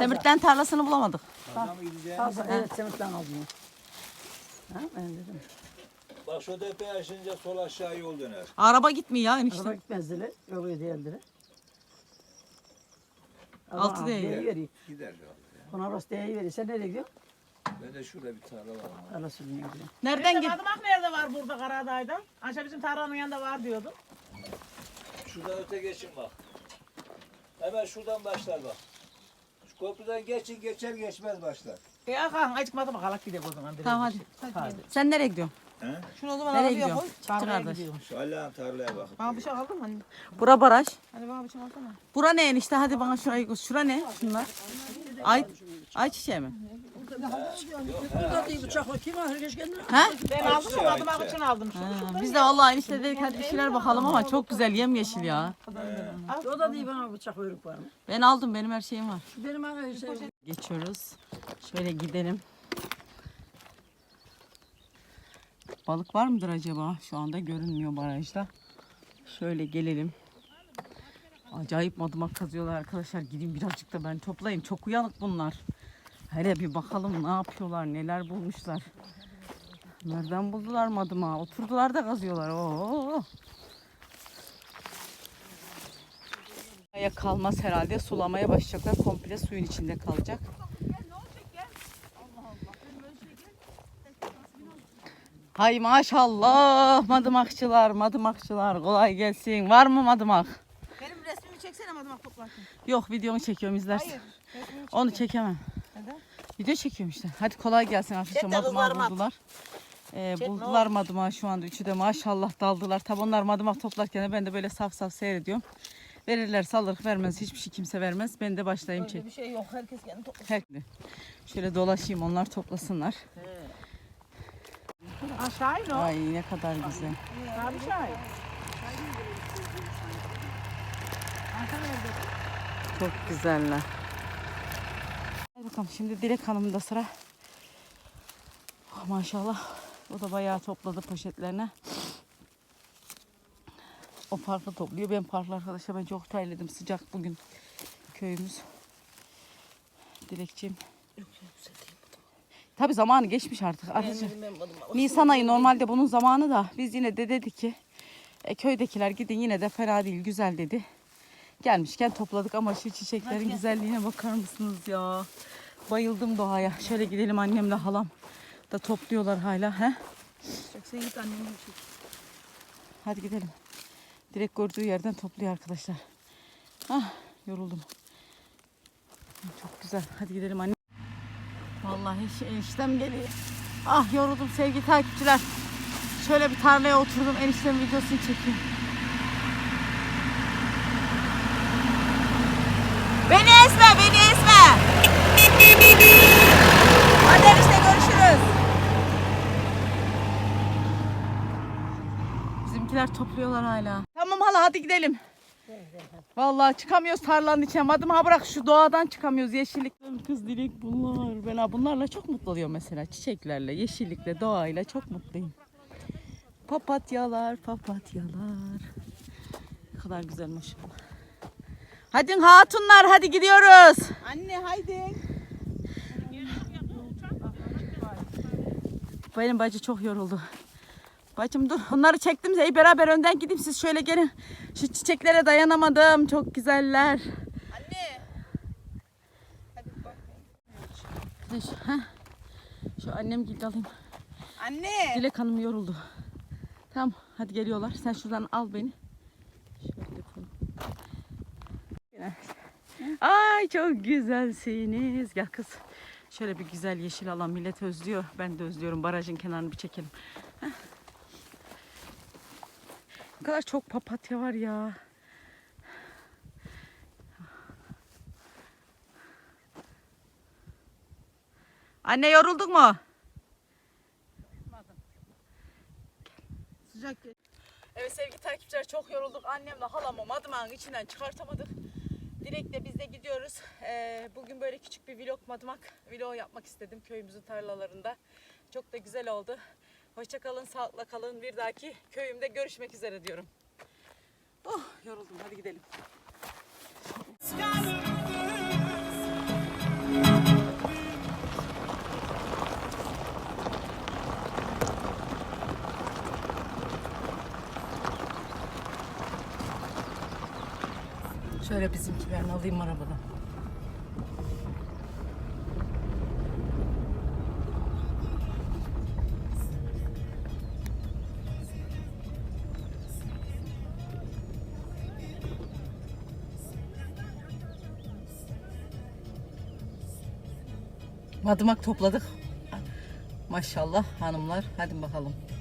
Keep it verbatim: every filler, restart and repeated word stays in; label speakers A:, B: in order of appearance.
A: Semirt'ten tarlasını bulamadık.
B: Fazla mı gideceğiz?
C: Fazla, evet Semirt'ten aldım. Ha, ben dedim.
B: Bak şu tepeye aşınca sol aşağı yol döner.
A: Araba gitmiyor ya enişte.
C: Araba gitmezdiler, yolu değildiler.
A: Altı değil.
C: Veriyor.
B: Gider ya.
C: Ona orası değeri veriyor. Sen nereye gidiyorsun?
B: Ben de şurada bir tarla var. ama.
C: Tarla sürmeye gidiyorum.
A: Nereden
D: Nerede
A: git?
D: Madımak nerede var burada Karadağ'da? Aşağı bizim tarlanın yanında var diyordun.
B: Şuradan öte geçin bak. Hemen şuradan başlar bak. Şu köprüden geçin geçer geçmez başlar.
D: E Hakan acık Madımak alak gidelim o zaman.
A: Tamam hadi. Sen nereye gidiyorsun?
B: He?
D: Şunu o zaman
A: Nereye
D: arabaya
A: gidiyorsun?
D: koy.
A: Çıktı
D: Tarlaya
A: kardeş.
D: gidiyorum.
B: Şu Allah'ın tarlaya bakın.
D: Bana bir şey aldın mı anne?
A: Bura baraj.
D: Hadi bana bir şey alsana.
A: Bura ne enişte? Hadi bana şurayı göster. Şura ne? Şunlar. Ay, ay çiçeği mi?
C: Burada değil bıçakla kim alır geç kendine?
A: Ha?
D: Ben aldım da Madımak için aldım. Şunu.
A: Ha, biz de vallahi enişte dedik hadi bir şeyler bakalım ama çok güzel yemyeşil ya.
C: O da değil bana bıçak uyruk var mı?
A: Ben aldım, benim her şeyim var.
C: Benim ana şey.
A: Geçiyoruz. Şöyle gidelim. Balık var mıdır acaba? Şu anda görünmüyor barajda. Şöyle gelelim. Acayip madımak kazıyorlar arkadaşlar. Gidin birazcık da ben toplayayım. Çok uyanık bunlar. Hele bir bakalım ne yapıyorlar, neler bulmuşlar. Nereden buldular madımağı? Oturdular da kazıyorlar. Oo. Aya kalmaz herhalde. Sulamaya başlayacaklar. Komple suyun içinde kalacak. Hay maşallah madımakçılar, madımakçılar kolay gelsin. Var mı madımak?
D: Benim resmimi çeksene Madımak toplarken.
A: Yok, videonu çekiyorum, izlersin.
D: Hayır. Resmimi çek.
A: Onu çekemem.
D: Neden?
A: Video çekiyorum işte. Hadi kolay gelsin arkadaşlar.
D: Çek de
A: Madımağı
D: kızlarım at.
A: buldular. Ee,
D: Çek, ne
A: buldular madımağı şu anda. Üçü de maşallah daldılar. Tabi onlar madımak toplarken de ben de böyle saf saf seyrediyorum. Verirler salırık, vermez. Hiçbir şey kimse vermez. Ben de başlayayım çek.
D: Öyle bir şey yok. Herkes kendi toplar.
A: Her- Şöyle dolaşayım, onlar toplasınlar.
D: Aşağı in o.
A: Ay ne kadar güzel.
D: Abi şahin.
A: Çok güzeller. Hadi bakalım, şimdi Dilek Hanım'da sıra. Oh, maşallah. O da bayağı topladı poşetlerine. O parkı topluyor. Ben parklı arkadaşlar, ben çok terledim. Sıcak bugün köyümüz. Dilekçiğim. Tabii zamanı geçmiş artık. Arkadaşlar, Nisan ayı normalde bunun zamanı da biz yine de dedik ki e, köydekiler gidin, yine de fena değil, güzel dedi. Gelmişken topladık ama şu çiçeklerin güzelliğine bakar mısınız ya? Bayıldım doğaya. Şöyle gidelim, annemle halam da topluyorlar hala. He?
D: Sen git annemin bir şey.
A: Hadi gidelim. Direkt gördüğü yerden topluyor arkadaşlar. Ah, yoruldum. Çok güzel. Hadi gidelim anne. Vallahi eniştem geliyor. Ah, yoruldum sevgili takipçiler. Şöyle bir tarlaya oturdum. Eniştemin videosunu çekeyim. Beni ezme, beni ezme. Hadi enişte, görüşürüz. Bizimkiler topluyorlar hala. Tamam hala, hadi gidelim. Vallahi çıkamıyoruz tarlanın içine. Madıma bırak, şu doğadan çıkamıyoruz. Yeşillik. Kız Dilek bunlar. Ben ha bunlarla çok mutlu oluyorum mesela. Çiçeklerle, yeşillikle, doğayla çok mutluyum. Papatyalar, papatyalar. Ne kadar güzel maşallah. Hadi hatunlar, hadi gidiyoruz.
D: Anne haydi.
A: Benim bacı çok yoruldu. Bacım dur, onları çektim. Ey beraber önden gideyim, siz şöyle gelin. Şu çiçeklere dayanamadım. Çok güzeller.
D: Anne. Hadi bak.
A: Şu, heh. Şu annem gibi alayım.
D: Anne.
A: Dilek Hanım yoruldu. Tamam, hadi geliyorlar. Sen şuradan al beni. Şöyle yapalım. Ay çok güzelsiniz. Gel kız. Şöyle bir güzel yeşil alan, millet özlüyor. Ben de özlüyorum. Barajın kenarını bir çekelim. Heh. Ne kadar çok papatya var ya. Anne, yorulduk mu?
D: Sıcak.
A: Evet sevgili takipçiler, çok yorulduk. Annemle halamı madımağın içinden çıkartamadık. Dilek'le biz de gidiyoruz. Ee, bugün böyle küçük bir vlog, madımak vlog yapmak istedim köyümüzün tarlalarında. Çok da güzel oldu. Hoşça kalın, sağlıkla kalın. Bir dahaki köyümde görüşmek üzere diyorum. Oh, yoruldum, hadi gidelim. Şöyle bizimkilerini alayım arabadan. Madımak topladık. Maşallah hanımlar. Hadi bakalım.